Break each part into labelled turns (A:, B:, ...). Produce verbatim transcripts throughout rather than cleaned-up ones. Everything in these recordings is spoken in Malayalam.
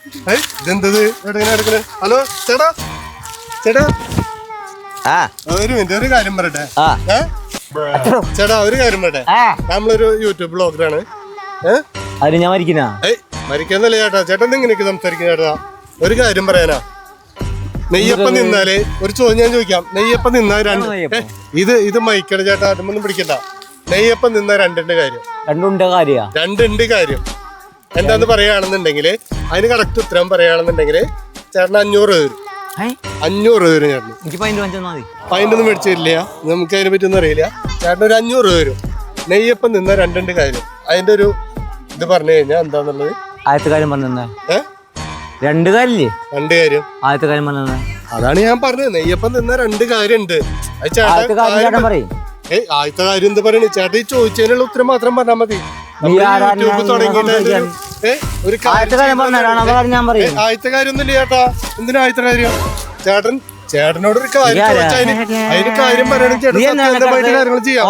A: ഇതെന്തത് എടുക്കണ? ഹലോ ചേട്ടാ ചേട്ടാ ഒരു മിനിറ്റ് ഒരു കാര്യം പറയട്ടെ. ചേട്ടാ ഒരു കാര്യം പറയട്ടെ. നമ്മളൊരു യൂട്യൂബ് ബ്ലോഗറാണ്.
B: അതിന് ഞാൻ മരിക്കുന്ന
A: ഏയ് മരിക്കുന്നല്ലേ ചേട്ടാ. ചേട്ടൻ ഇങ്ങനെയൊക്കെ സംസാരിക്കുന്ന ചേട്ടാ. ഒരു കാര്യം പറയാനാ. നെയ്യപ്പം നിന്നാല് ഒരു ചോദ്യം ഞാൻ ചോദിക്കാം. നെയ്യപ്പം നിന്നാൽ രണ്ട് ഇത് ഇത് മൈക്കട ചേട്ടാ. അതൊന്നും പിടിക്കണ്ട. നെയ്യപ്പം നിന്ന രണ്ടിന്റെ കാര്യം
B: രണ്ടുണ്ട് കാര്യം
A: രണ്ടുണ്ട് കാര്യം എന്താന്ന് പറയുകയാണെന്നുണ്ടെങ്കിൽ അതിന് കറക്റ്റ് ഉത്തരം പറയുകയാണെന്നുണ്ടെങ്കിൽ ചേട്ടന് അഞ്ഞൂറ് രൂപ വരും. അഞ്ഞൂറ് രൂപ വരും ചേട്ടന്. പതിൻ്റെ ഒന്നും മേടിച്ചില്ല. നമുക്ക് അതിനെ പറ്റിയൊന്നും അറിയില്ല. ചേട്ടന് ഒരു അഞ്ഞൂറ് രൂപ വരും. നെയ്യപ്പം നിന്ന രണ്ടുണ്ട് കാര്യം അതിന്റെ ഒരു ഇത് പറഞ്ഞു കഴിഞ്ഞാൽ എന്താന്നുള്ളത്.
B: ആദ്യത്തെ കാര്യം പറഞ്ഞ ഏഹ് രണ്ട് കാര്യല്ലേ? രണ്ട് കാര്യം. ആദ്യത്തെ കാര്യം പറഞ്ഞ
A: അതാണ് ഞാൻ പറഞ്ഞത്. നെയ്യപ്പം നിന്ന രണ്ട് കാര്യം ഉണ്ട്. ഏയ് ആദ്യത്തെ കാര്യം എന്താ പറയണേ ചേട്ടാ? ഈ ചോദിച്ചതിനുള്ള ഉത്തരം മാത്രം പറഞ്ഞാൽ മതി. യൂട്യൂബ് തുടങ്ങിയിട്ട് ഒരു ആദ്യത്തെ കാര്യം ഒന്നുമില്ല ചേട്ടാ. എന്തിനാ ആദ്യത്തെ കാര്യം? ചേട്ടൻ ചേട്ടനോട് ഒരു കാര്യം ചോദിച്ചാൽ അതിന് കാര്യം പറയണെങ്കിൽ ചേട്ടൻ കാര്യങ്ങൾ ചെയ്യാം.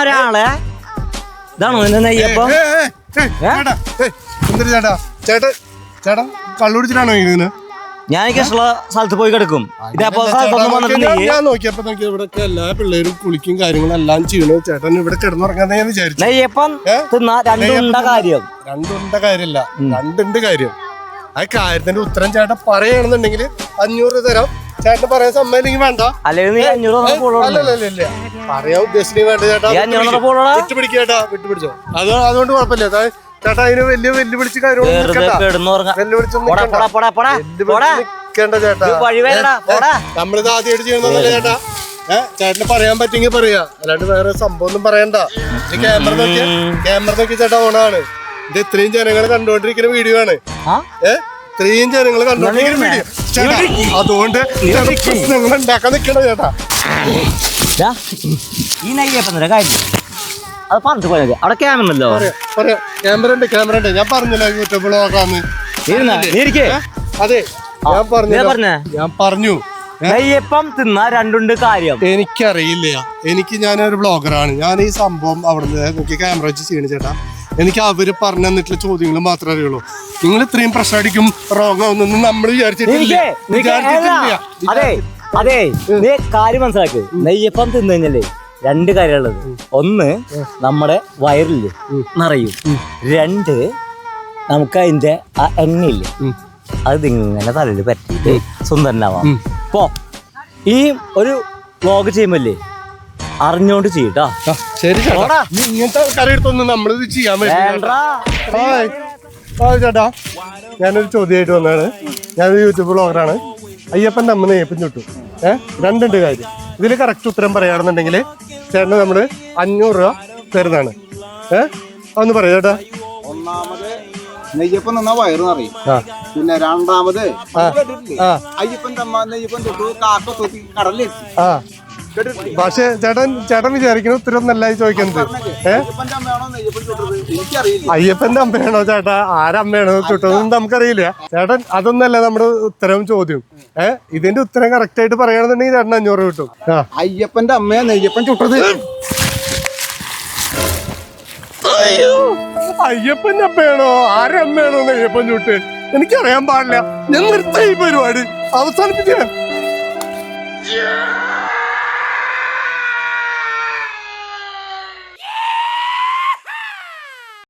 A: എന്തിനാ ചേട്ടാ? ചേട്ടൻ ചേട്ടാ കള്ളുടിച്ചിട്ടാണോ ഇതിന്?
B: ഞാൻ സ്ഥലത്ത് പോയി കിടക്കും.
A: ഞാൻ നോക്കിയപ്പോ നോക്കിയ ഇവിടെ എല്ലാ പിള്ളേരും കുളിക്കും കാര്യങ്ങളും എല്ലാം ചെയ്യണു. ചേട്ടൻ ഇവിടെ കിടന്നുറങ്ങാന്ന് ഞാൻ വിചാരിച്ചു.
B: കാര്യം
A: രണ്ടുണ്ട കാര്യമില്ല, രണ്ടുണ്ട് കാര്യം. ആ കാര്യത്തിന്റെ ഉത്തരം ചേട്ടൻ പറയുകയാണെന്നുണ്ടെങ്കിൽ അഞ്ഞൂറ് തരാം. ചേട്ടൻ പറയാൻ സമ്മതില്ലെങ്കിൽ വേണ്ട. അല്ലല്ല പറയാൻ ഉദ്ദേശിച്ചില്ലെങ്കിൽ വേണ്ട ചേട്ടാ. വിട്ടുപിടിക്ക ചേട്ടാ, വിട്ടുപിടിച്ചോ. അത് അതുകൊണ്ട് കുഴപ്പമില്ല. ചേട്ടാ അതിന് വലിയ വെല്ലുവിളിച്ച് കാര്യങ്ങളൊന്നും നമ്മളിത് ആദ്യമായിട്ട് ചെയ്യുന്നതല്ല ചേട്ടാ. ഏഹ് ചേട്ടന് പറയാൻ പറ്റുമെങ്കിൽ പറയാ, അല്ലാണ്ട് വേറെ സംഭവം ഒന്നും പറയണ്ട. ക്യാമറ നോക്കിയ ക്യാമറ നോക്കി ചേട്ടാ ഓണാണ്. ഇത് ഇത്രയും ജനങ്ങൾ കണ്ടുകൊണ്ടിരിക്കുന്ന വീഡിയോ ആണ്. ഏഹ് ഇത്രയും ജനങ്ങൾ കണ്ടുകൊണ്ടിരിക്കുന്ന വീഡിയോ ചേട്ടാ. അതുകൊണ്ട് പ്രശ്നങ്ങൾ ഉണ്ടാക്കാൻ നിൽക്കണ ചേട്ടാ.
B: ഈ നെയ്യപ്പം കാര്യം അത് പറഞ്ഞിട്ട് പോയത് അവിടെ ക്യാമറല്ലോ.
A: ക്യാമറ ഉണ്ട് ക്യാമറ ഉണ്ട്. ഞാൻ പറഞ്ഞല്ലോ യൂട്യൂബ് ബ്ലോഗാന്ന്. അതെ ഞാൻ പറഞ്ഞു ഞാൻ പറഞ്ഞു
B: നെയ്യപ്പം തിന്ന രണ്ടുണ്ട് കാര്യം.
A: എനിക്കറിയില്ല. എനിക്ക് ഞാനൊരു ബ്ലോഗറാണ്. ഞാൻ ഈ സംഭവം അവിടുന്ന് നോക്കി ക്യാമറ വെച്ച് ചെയ്യണ ചേട്ടാ. എനിക്ക് അവര് പറഞ്ഞു തന്നിട്ടുള്ള ചോദ്യങ്ങൾ മാത്രമേ അറിയുള്ളൂ. നിങ്ങൾ ഇത്രയും പ്രശ്നം അടിക്കും റോങ് ആവുന്നൊന്നും നമ്മൾ വിചാരിച്ചിട്ടില്ല.
B: അതെ അതെ നീ കാര്യം മനസ്സിലാക്ക്. നെയ്യപ്പം തിന്നു കഴിഞ്ഞല്ലേ രണ്ട് കാര്യമുള്ളത്. ഒന്ന് നമ്മുടെ വയറില് നിറയും. രണ്ട് നമുക്ക് അതിന്റെ ആ എണ്ണയില്ലേ അത് ഇങ്ങനെ തലയിൽ പറ്റിയിട്ട് സുന്ദരനാവാം. ഇപ്പോ ഈ ഒരു വ്ലോഗ് ചെയ്യുമ്പല്ലേ അറിഞ്ഞോണ്ട് ചെയ്യട്ടാ.
A: ശരി ഇങ്ങനത്തെ കറിയെടുത്തൊന്നും നമ്മളിത് ചെയ്യാൻ പറ്റില്ല ചേട്ടാ. ഞാനൊരു ചോദ്യമായിട്ട് വന്നതാണ്. ഞാനൊരു യൂട്യൂബ് ബ്ലോഗറാണ്. അയ്യപ്പൻ്റെ അമ്മ നെയ്യപ്പം ചുട്ടു. ഏഹ് രണ്ടുണ്ട് കാര്യം. ഇതിൽ കറക്റ്റ് ഉത്തരം പറയുകയാണെന്നുണ്ടെങ്കിൽ ചേട്ടന് നമ്മള് അഞ്ഞൂറ് രൂപ തരുന്നതാണ്. ഏഹ് അതൊന്ന് പറയാ ചേട്ടാ.
C: ഒന്നാമത് നെയ്യപ്പം നിന്നാ വയറ് നിറയും. പിന്നെ രണ്ടാമത് അയ്യപ്പൻ്റെ അമ്മ നെയ്യപ്പം തൊട്ടു കാക്ക തൊട്ടി കടലിലെത്തി.
A: ആ പക്ഷെ ചേട്ടൻ ചേട്ടൻ വിചാരിക്കുന്ന ഉത്തരം നല്ല ചോദിക്കുന്നത്. ഏഹ് അയ്യപ്പന്റെ അമ്മയാണോ ചേട്ടാ? ആരമ്മയാണോ ചുട്ടതെന്ന് നമുക്കറിയില്ല ചേട്ടൻ. അതൊന്നല്ല നമ്മുടെ ഉത്തരം ചോദ്യം. ഏഹ് ഇതിന്റെ ഉത്തരം കറക്റ്റ് ആയിട്ട് പറയുകയാണെന്നുണ്ടെങ്കിൽ ചേട്ടൻ അഞ്ഞൂറ് കിട്ടും.
C: അയ്യപ്പന്റെ അമ്മയാ നെയ്യപ്പൻ ചുട്ടത്.
A: അയ്യപ്പന്റെ അമ്മയാണോ ആരമ്മയാണോ നെയ്യപ്പൻ ചുട്ട്? എനിക്കറിയാൻ പാടില്ല. ഞാൻ നിർത്തി ഈ പരിപാടി അവസാനിപ്പിക്കാൻ.